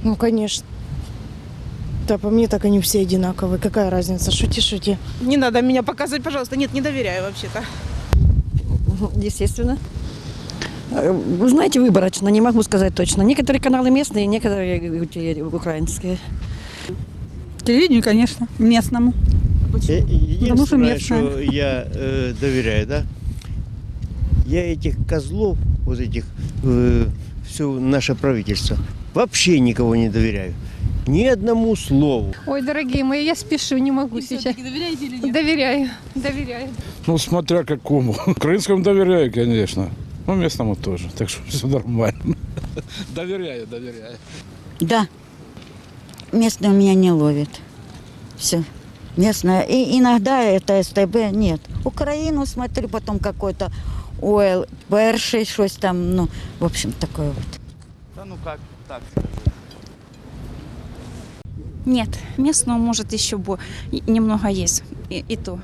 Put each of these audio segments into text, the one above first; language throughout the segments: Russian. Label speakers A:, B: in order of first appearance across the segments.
A: Ну, конечно. Да, по мне так они все одинаковые. Какая разница? Шути, шути.
B: Не надо меня показывать, пожалуйста. Нет, не доверяю вообще-то.
C: Естественно. Вы знаете, выборочно, не могу сказать точно. Некоторые каналы местные, некоторые украинские.
D: Телевидению, конечно, местному. Потому что
E: Единственное,
D: местное.
E: что я доверяю, да, я этих козлов, вот этих, все наше правительство, вообще никого не доверяю. Ни одному слову.
F: Ой, дорогие мои, я спешу, не могу сейчас.
B: Доверяете или нет?
F: Доверяю.
G: Ну, смотря какому. Украинскому доверяю, конечно. Ну, местному тоже. Так что все нормально. Доверяю.
H: Да. Местные у меня не ловят. Все. Местное. И иногда это СТБ. Нет. Украину смотрю, потом какой-то ОЛ, перший, щось там, ну, в общем, такое вот.
I: Да ну как так?
J: Нет, местного может еще немного есть, и то.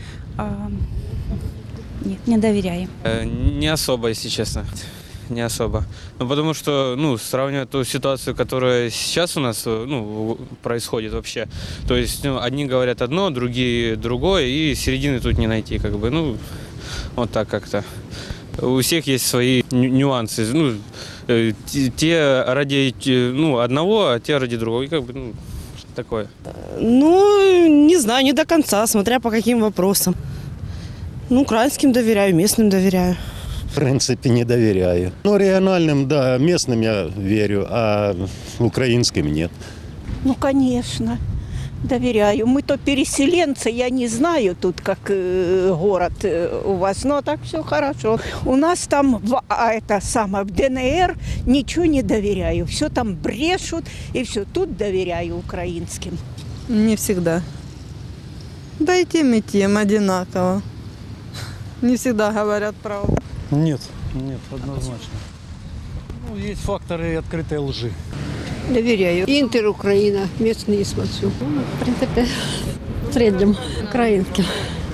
J: Нет, не доверяю.
I: Не особо, если честно. Не особо. Ну, потому что, сравнивая ту ситуацию, которая сейчас у нас, происходит вообще, то есть, одни говорят одно, другие другое, и середины тут не найти, вот так как-то. У всех есть свои нюансы. Те ради, одного, а те ради другого, и такое.
B: Ну, не знаю, не до конца, смотря по каким вопросам. Ну, украинским доверяю, местным доверяю.
K: В принципе, не доверяю. Ну, региональным, да, местным я верю, а украинским нет.
L: Ну, конечно, доверяю. Мы-то переселенцы, я не знаю тут, как город у вас, но так все хорошо. У нас там, в ДНР ничего не доверяю. Все там брешут, и все. Тут доверяю украинским.
D: Не всегда. Да и тем одинаково. Не всегда говорят правду.
M: Нет, однозначно. Есть факторы открытой лжи.
F: Доверяю. Интер Украина, местные смотрю.
C: В принципе, в среднем украинским.